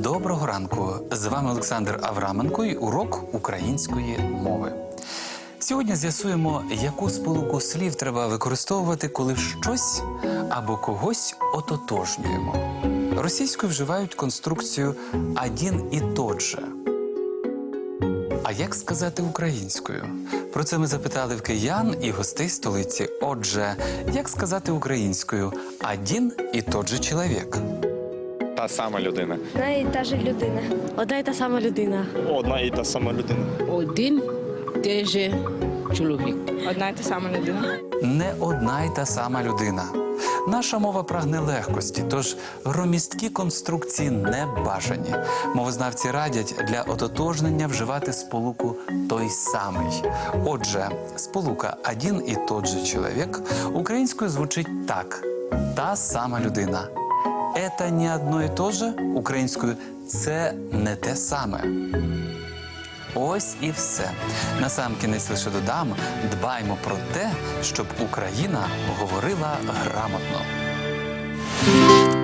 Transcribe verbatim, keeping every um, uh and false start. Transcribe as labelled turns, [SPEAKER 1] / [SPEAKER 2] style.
[SPEAKER 1] Доброго ранку! З вами Олександр Авраменко і урок української мови. Сьогодні з'ясуємо, яку сполуку слів треба використовувати, коли щось або когось ототожнюємо. Російською вживають конструкцію «один і тот же». А як сказати українською? Про це ми запитали в киян і гостей столиці. Отже, як сказати українською «один і тот же чоловік»?
[SPEAKER 2] Та сама людина.
[SPEAKER 3] Одна і та же людина.
[SPEAKER 4] Одна і та сама людина.
[SPEAKER 2] Одна і та сама людина.
[SPEAKER 5] Один той же чоловік.
[SPEAKER 6] Одна і та сама людина.
[SPEAKER 1] Не одна й та сама людина. Наша мова прагне легкості, тож громісткі конструкції не бажані. Мовознавці радять для ототожнення вживати сполуку «той самий». Отже, сполука «один і тот же чоловік» українською звучить так – «та сама людина». «Это не одно і то же» українською «це не те саме». Ось і все. Насамкінець лише додам, дбаймо про те, щоб Україна говорила грамотно.